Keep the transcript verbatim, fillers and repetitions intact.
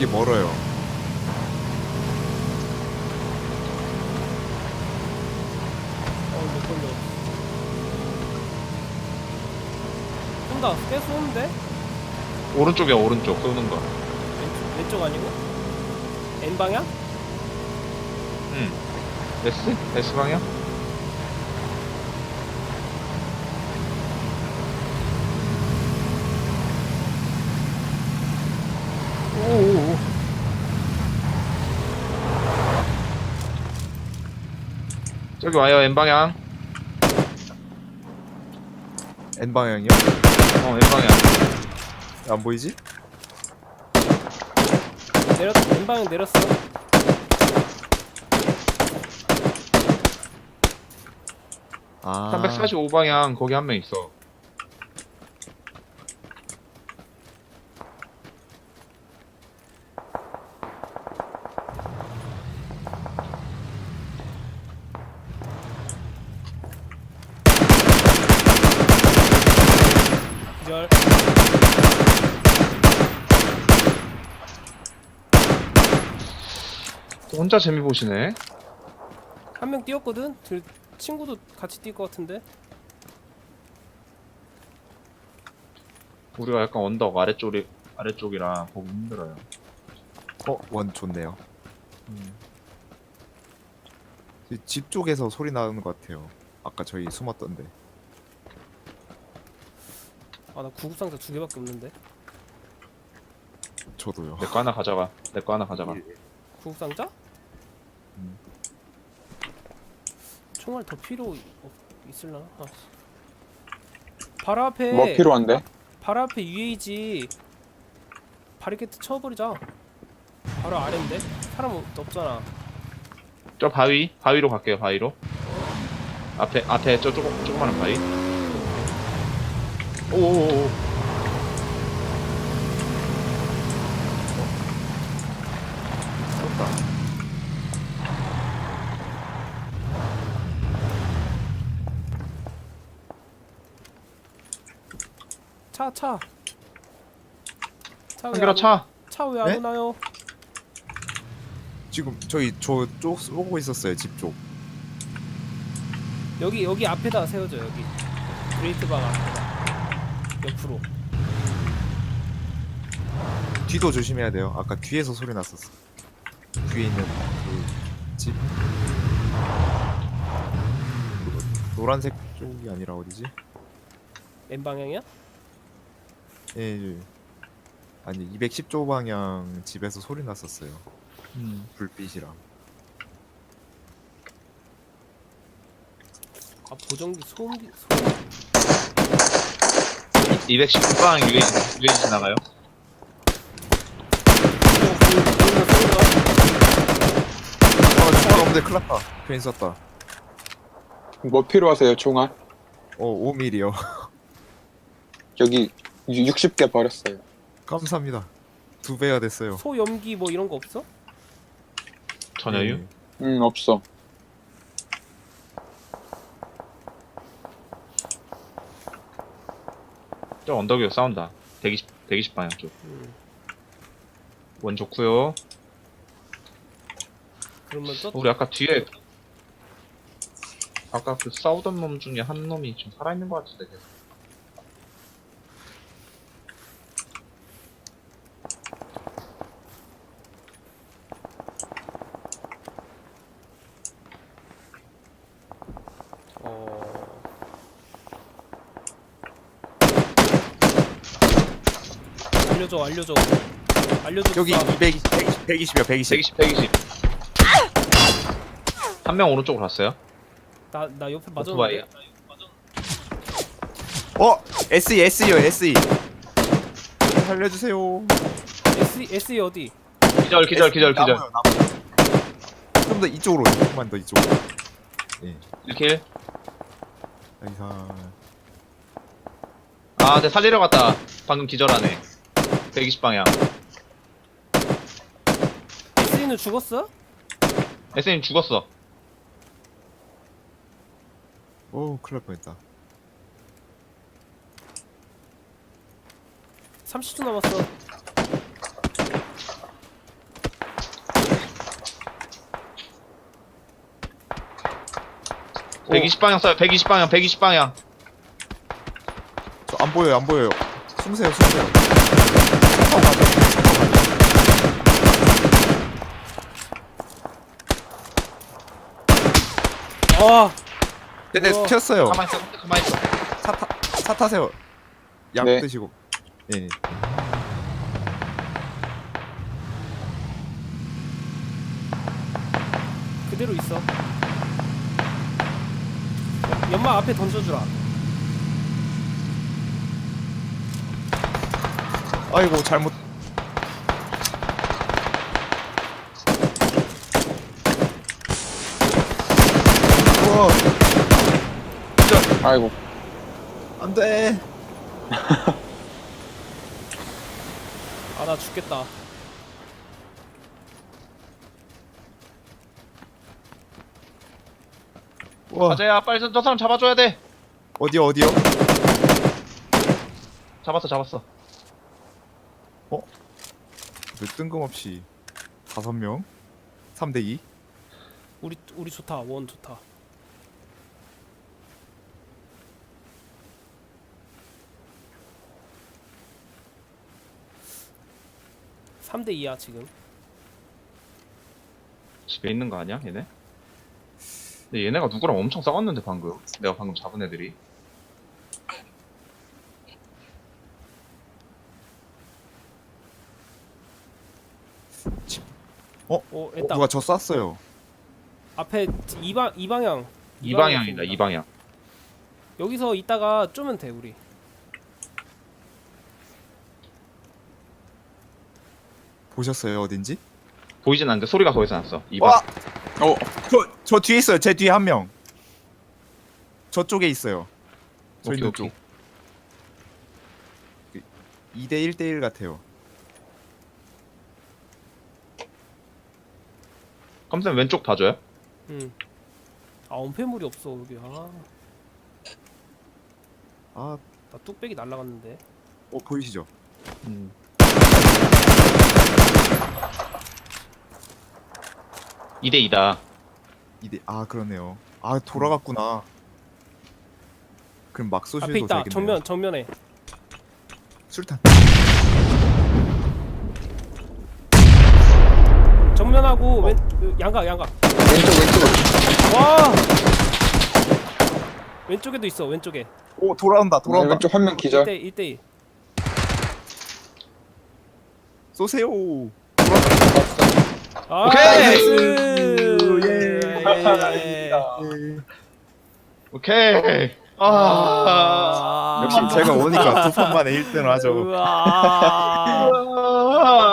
되게 멀어요. 어, 몇 번도. 쏜다. 꽤 쏘는데? 오른쪽이야 오른쪽 쏘는 거. 왼쪽, 왼쪽 아니고? N 방향? 응. S? S 방향? 오오오. 저기 와요 N 방향. N 방향이요? 어 N 방향. 안 보이지? 내렸, N 방향 내렸어. 아. 삼백사십오 방향 거기 한 명 있어. 기절. 혼자 재미 보시네. 한 명 뛰었거든? 들, 친구도 같이 뛸 것 같은데? 우리가 약간 언덕 아래쪽이 아래쪽이라 보기 힘들어요. 어, 원 좋네요. 음. 집 쪽에서 소리 나는 것 같아요. 아까 저희 숨었던데. 아, 나 구급상자 두 개밖에 없는데? 저도요. 내 거 하나 가져가. 내 거 하나 가져가. 구급상자? 음. 총알 더 필요 없, 있을라나? 아. 바로 앞에 뭐 필요한데? 바로 앞에 유에이지 바리케트 쳐버리자. 바로 아래인데? 사람 없- 없잖아. 저 바위 바위로 갈게요. 바위로. 앞에 앞에 저 조금 조그마한 바위. 오오오. 쏜다. 차, 차. 차 한결아 차. 차 왜 안 네? 오나요? 지금 저희 저쪽 쏘고 있었어요. 집 쪽. 여기 여기 앞에다 세워줘. 여기 그레이트 방 앞에다. 옆으로. 뒤도 조심해야 돼요. 아까 뒤에서 소리 났었어. 뒤에 있는 그 집. 노란색 쪽이 아니라 어디지? N 방향이야? 예, 예. 아니 이백십 조 방향 집에서 소리 났었어요. 음. 불빛이랑. 아, 보정기 소음기 소음. 이백십구 방 유에이지 유에이지 지나가요. 아, 총알 없는데 큰일 났다. 괜히 썼다. 뭐 필요하세요, 총알? 어, 오 밀리요. 여기 육십 개 버렸어요. 감사합니다. 두 배가 됐어요. 소염기 뭐 이런 거 없어? 전혀유. 예. 음, 없어. 저 언덕 위로 싸운다. 백이십 백이십 방향 쪽. 음. 원 좋고요. 그러면 저 우리 아까 뒤에 아까 그 싸우던 놈 중에 한 놈이 좀 살아있는 것 같은데 계속. 어. 알려줘, 알려줘. 알려줘. 여기 쏴. 이백이십, 백이십, 백이십이요. 백이십. 백이십 백이십. 한 명 오른쪽으로 갔어요. 나, 나 옆에 오토바이야. 맞았는데. 어, 에스이, 에스이요, 에스이. 살려주세요. S S 어디? 기절 기절 기절 기절. 나무요, 나무. 좀 더 이쪽으로, 조금만 더 이쪽으로. 예. 일 킬. 여기서 아, 내 살리러 갔다. 방금 기절하네. 백이십 방향. S는 죽었어? 에스님 죽었어. 오, 큰일 날 뻔했다. 삼십 초 남았어. 백이십 방향 쏴요. 백이십 방향, 백이십 방향. 저 안 보여요, 안 보여요. 숨으세요, 숨으세요. 차 타고 가죠. 아 네네, 우와. 튀었어요. 가만 있어, 가만 있어. 차, 타, 차 타세요. 약 네. 드시고. 네. 그대로 있어. 연막 앞에 던져주라. 아이고, 잘못. 우와, 아이고. 안 돼. 아 나 죽겠다. 우와, 가자야, 빨리 저 사람 잡아줘야 돼. 어디요, 어디요? 잡았어, 잡았어. 왜 뜬금없이 다섯 명? 삼 대 이? 우리 우리 좋다. 원 좋다. 삼 대 이야 지금. 집에 있는 거 아니야, 얘네? 근데 얘네가 누구랑 엄청 싸웠는데 방금. 내가 방금 잡은 애들이. 오 어, 됐다. 누가 저 쐈어요. 앞에 이방 이 방향. 이 방향이다, 이 방향. 여기서 있다가 쪼면 돼 우리. 보셨어요, 어딘지? 보이진 않는데 소리가 거기서 났어. 이 방. 와! 어, 저, 저 뒤에 있어요. 제 뒤에 한 명. 저쪽에 있어요. 저 오케이, 있는 오케이. 쪽. 이 대 일 대 일 같아요. 깜짝 왼쪽 봐줘요. 응. 아 엄폐물이 없어 여기. 아, 아, 나 뚝배기 날라갔는데. 어, 보이시죠? 음. 이 대 이다. 이 대, 아, 그러네요. 아, 돌아갔구나. 그럼 막 쏘셔도 앞에 있다. 되겠네요. 정면 정면에. 술탄. 정면하고 왼 그, 양각 양각. 왼쪽, 왼쪽. 와. 왼쪽에도 있어. 왼쪽에. 오, 돌아온다, 돌아온다. 왼쪽 한 명 기절. 일 대 일. 쏘세요. 아, 오케이! 나이스. 예. 예. 오케이. 아. 아. 역시 제가 오니까 두 판 만에 일 등을 하죠. 우와. 아.